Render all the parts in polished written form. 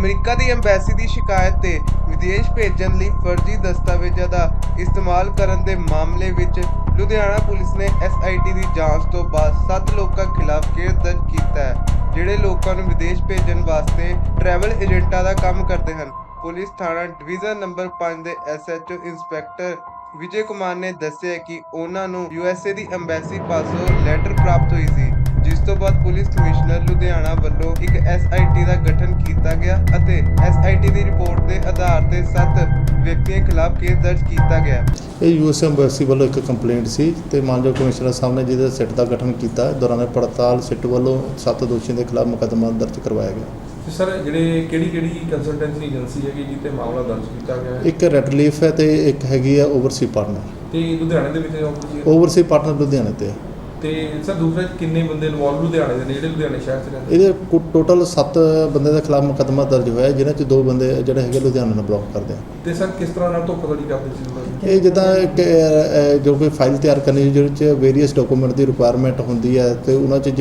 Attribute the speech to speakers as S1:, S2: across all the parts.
S1: America ਦੀ embassy ਦੀ ਸ਼ਿਕਾਇਤ ਤੇ ਵਿਦੇਸ਼ ਭੇਜਣ ਲਈ ਫਰਜ਼ੀ ਦਸਤਾਵੇਜ਼ਾਂ ਦਾ ਇਸਤੇਮਾਲ ਕਰਨ ਦੇ ਮਾਮਲੇ ਵਿੱਚ ਲੁਧਿਆਣਾ ਪੁਲਿਸ ਨੇ SIT ਦੀ ਜਾਂਚ ਤੋਂ ਬਾਅਦ 7 ਲੋਕਾਂ ਖਿਲਾਫ ਕੇਸ ਦਰਜ ਕੀਤਾ ਹੈ, ਜਿਹੜੇ ਲੋਕਾਂ ਨੂੰ ਵਿਦੇਸ਼ ਭੇਜਣ ਵਾਸਤੇ ਟਰੈਵਲ ਏਜੰਟਾਂ ਦਾ ਕੰਮ ਕਰਦੇ ਹਨ। ਪੁਲਿਸ ਥਾਣਾ ਡਿਵੀਜ਼ਨ ਨੰਬਰ 5 ਦੇ SHO ਇੰਸਪੈਕਟਰ ਵਿਜੇ ਕੁਮਾਰ ਨੇ ਦੱਸਿਆ ਕਿ ਉਹਨਾਂ ਨੂੰ USA ਦੀ ਅੰਬੈਸੀ ਪਾਸੋਂ ਲੈਟਰ ਪ੍ਰਾਪਤ ਹੋਈ ਸੀ, ਜਿਸ ਤੋਂ ਬਾਅਦ ਪੁਲਿਸ ਕਮਿਸ਼ਨਰ ਲੁਧਿਆਣਾ ਵੱਲੋਂ ਇੱਕ SIT ਦਾ ਗਠਨ ਕੀਤਾ ਗਿਆ ਅਤੇ SIT ਦੀ ਰਿਪੋਰਟ ਦੇ ਆਧਾਰ ਤੇ 7 ਵਿਅਕਤੀਆਂ ਖਿਲਾਫ ਕੇਸ ਦਰਜ ਕੀਤਾ ਗਿਆ।
S2: ਇਹ US ਅੰਬੈਸੀ ਵੱਲੋਂ ਇੱਕ ਕੰਪਲੇਂਟ ਸੀ ਤੇ ਮਾਨਯੋਗ ਕਮਿਸ਼ਨਰ ਸਾਹਿਬ ਨੇ ਜਿਹਦੇ ਸਿੱਟ ਦਾ ਗਠਨ ਕੀਤਾ। ਦੌਰਾਨ ਪੜਤਾਲ ਸਿੱਟ ਵੱਲੋਂ 7 ਦੋਸ਼ੀਆਂ ਦੇ ਖਿਲਾਫ ਮੁਕੱਦਮਾ ਦਰਜ ਕਰਵਾਇਆ ਗਿਆ।
S3: ਸਰ ਜਿਹੜੇ ਕਿਹੜੀ ਕੰਸਲਟੈਂਸੀ ਏਜੰਸੀ ਹੈਗੀ ਜਿੱਤੇ ਮਾਮਲਾ ਦਰਜ ਕੀਤਾ ਗਿਆ ਹੈ?
S2: ਇੱਕ ਰੈੱਡ ਲੀਫ ਹੈ ਤੇ ਇੱਕ ਹੈਗੀ ਆ ਓਵਰਸੀ ਪਾਰਟਨਰ।
S3: ਤੇ ਲੁਧਿਆਣੇ ਦੇ ਵਿੱਚ
S2: ਓਵਰਸੀ ਪਾਰਟਨਰ ਲੁਧਿਆਣੇ ਤੇ ਹੈ।
S3: ਤੇ ਸਰ ਦੂਸਰੇ ਕਿੰਨੇ ਬੰਦੇ ਇਨਵੋਲਵ ਲੁਧਿਆਣੇ ਦੇ ਨੇ ਜਿਹੜੇ ਲੁਧਿਆਣੇ ਸ਼ਹਿਰ 'ਚ ਰਹਿੰਦੇ?
S2: ਇਹਦੇ ਟੋਟਲ 7 ਬੰਦੇ ਦੇ ਖਿਲਾਫ ਮੁਕੱਦਮਾ ਦਰਜ ਹੋਇਆ, ਜਿਨ੍ਹਾਂ 'ਚ 2 ਬੰਦੇ ਜਿਹੜੇ ਹੈਗੇ ਲੁਧਿਆਣੇ ਨੂੰ ਬਿਲੋਂਗ ਕਰਦੇ ਆ।
S3: ਤੇ ਸਰ ਕਿਸ ਤਰ੍ਹਾਂ ਨਾਲ ਧੋਖਾਧੜੀ ਕਰਦੇ ਸੀ ਲੋਕ?
S2: ਇਹ ਜਿੱਦਾਂ ਜੋ ਕੋਈ ਫਾਈਲ ਤਿਆਰ ਕਰਨੀ ਜਿਹਦੇ 'ਚ ਵੇਰੀਅਸ ਡਾਕੂਮੈਂਟ ਦੀ ਰਿਕੁਆਇਰਮੈਂਟ ਹੁੰਦੀ ਹੈ ਤੇ ਉਹਨਾਂ 'ਚ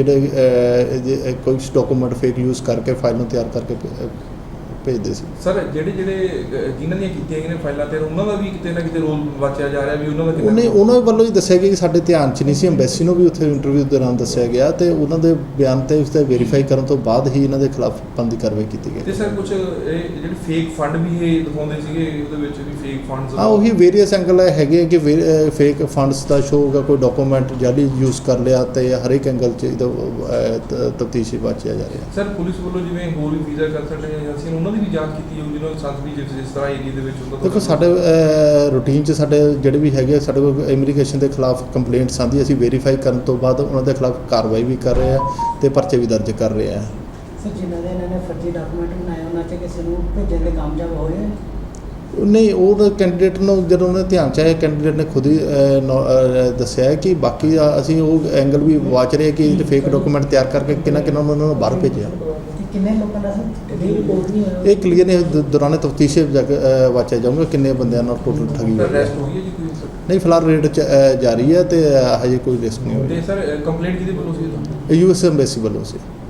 S2: ਜਿਹੜੇ ਕੋਈ ਡਾਕੂਮੈਂਟ ਫੇਕ ਯੂਜ਼ ਕਰਕੇ ਫਾਈਲ ਨੂੰ ਤਿਆਰ ਕਰਕੇ ਭੇਜਦੇ ਸੀ।
S3: ਸਰ ਜਿਹੜੇ ਜਿਨ੍ਹਾਂ ਦੀਆਂ ਕੀਤੀਆਂ ਗਈਆਂ ਫਾਈਲਾਂ ਤੇ ਉਹਨਾਂ ਦਾ ਵੀ ਕਿਤੇ ਨਾ ਕਿਤੇ ਰੋਲ ਵਾਚਿਆ ਜਾ ਰਿਹਾ ਵੀ ਉਹਨਾਂ ਦਾ
S2: ਉਹਨਾਂ ਵੱਲੋਂ ਹੀ ਦੱਸਿਆ ਗਿਆ ਕਿ ਸਾਡੇ ਧਿਆਨ 'ਚ ਨਹੀਂ ਸੀ। ਅੰਬੈਸੀ ਨੂੰ ਵੀ ਉੱਥੇ ਇੰਟਰਵਿਊ ਦੌਰਾਨ ਦੱਸਿਆ ਗਿਆ ਤੇ ਉਹਨਾਂ ਦੇ ਬਿਆਨ ਤੇ ਉਸ ਤੇ ਵੈਰੀਫਾਈ ਕਰਨ ਤੋਂ ਬਾਅਦ ਹੀ ਇਹਨਾਂ ਦੇ ਖਿਲਾਫ ਬਣਦੀ ਕਾਰਵਾਈ ਕੀਤੀ ਗਈ।
S3: ਤੇ ਸਰ ਕੁਝ ਇਹ ਜਿਹੜੇ ਫੇਕ ਫੰਡ ਵੀ ਇਹ ਦਿਖਾਉਂਦੇ ਸੀਗੇ, ਉਹਦੇ ਵਿੱਚ ਵੀ ਫੇਕ ਫੰਡਸ
S2: ਉਹੀ ਵੇਰੀਅਸ ਐਂਗਲ ਹੈਗੇ ਕਿ ਫੇਕ ਫੰਡਸ ਦਾ ਸ਼ੋਅ ਹੋਗਾ, ਕੋਈ ਡਾਕੂਮੈਂਟ ਜਾਲੀ ਯੂਜ਼ ਕਰ ਲਿਆ ਤੇ ਹਰ ਇੱਕ ਐਂਗਲ 'ਚ ਇਹਦਾ ਤਫਤੀਸ਼ ਵਾਚਿਆ ਜਾ ਰਿਹਾ।
S3: ਸਰ ਪੁਲਿਸ ਵੱਲੋਂ ਜਿਵੇਂ ਹੋਰ ਵੀ ਵੀਜ਼ਾ ਕੰਸਲਟੈਂਟ ਏਜੰਸੀਆਂ ਉਹਨਾਂ ਦੀ ਵੀ ਜਾਂਚ ਕੀਤੀ ਹੋਊ ਜਿਹਨਾਂ ਨੂੰ ਸੰਸਦੀ ਜਿਸ ਤਰ੍ਹਾਂ ਏਰੀਆ ਦੇ ਵਿੱਚ ਹੁੰਦਾ?
S2: ਦੇਖੋ ਸਾਡੇ ਰੂਟੀਨ 'ਚ ਸਾਡੇ ਜਿਹੜੇ ਵੀ ਹੈਗੇ ਸਾਡੇ ਕੋਲ ਇਮੀਗ੍ਰੇਸ਼ਨ ਦੇ ਖਿਲਾਫ ਕੰਪਲੇਂਟਸ ਆਉਂਦੀ, ਅਸੀਂ ਵੈਰੀਫਾਈ ਕਰਨ ਤੋਂ ਬਾਅਦ ਉਹਨਾਂ ਦੇ ਖਿਲਾਫ ਕਾਰਵਾਈ ਵੀ ਕਰ ਰਹੇ ਆ ਤੇ ਪਰਚੇ ਵੀ ਦਰਜ ਕਰ ਰਹੇ ਆ।
S4: ਸਰ ਜਿਨ੍ਹਾਂ ਦੇ ਇਹਨਾਂ ਨੇ ਫਰਜ਼ੀ ਡਾਕੂਮੈਂਟ ਬਣਾਏ ਉਹਨਾਂ 'ਚ ਕਿਸੇ ਨੂੰ ਭੇਜਣ ਦੇ ਕਾਮਯਾਬ ਹੋ ਰਹੇ?
S2: ਨਹੀਂ, ਉਹ ਕੈਂਡੀਡੇਟ ਨੂੰ ਜਦੋਂ ਉਹਨੇ ਧਿਆਨ 'ਚ ਆਇਆ, ਕੈਂਡੀਡੇਟ ਨੇ ਖੁਦ ਹੀ ਦੱਸਿਆ ਹੈ ਕਿ ਬਾਕੀ ਅਸੀਂ ਉਹ ਐਂਗਲ ਵੀ ਵਾਚ ਰਹੇ ਕਿ ਫੇਕ ਡਾਕੂਮੈਂਟ ਤਿਆਰ ਕਰਕੇ ਕਿੰਨਾ ਉਹਨਾਂ ਨੂੰ ਬਾਹਰ ਭੇਜਿਆ।
S4: ਕਿੰਨੇ ਲੋਕਾਂ ਦਾ ਸਰ ਰਿਪੋਰਟ ਨਹੀਂ ਹੋਇਆ?
S2: ਇਹ ਕਲੀਅਰ ਨੇ ਦੌਰਾਨ ਤਫਤੀਸ਼ ਵਾਚਿਆ ਜਾਊਗਾ ਕਿੰਨੇ ਬੰਦਿਆਂ ਨਾਲ ਟੋਟਲ ਠੱਗੀ ਹੋਈ ਹੈ। ਨਹੀਂ, ਫਿਲਹਾਲ ਰੇਡ ਜਾਰੀ ਹੈ ਤੇ ਹਜੇ ਕੋਈ ਰਿਸਕ ਨਹੀਂ ਹੋਇਆ।
S3: ਤੇ ਸਰ ਕੰਪਲੇਂਟ ਕਿਹਦੇ ਵੱਲੋਂ ਸੀ?
S2: US ਅੰਬੈਸੀ ਵੱਲੋਂ ਸੀ।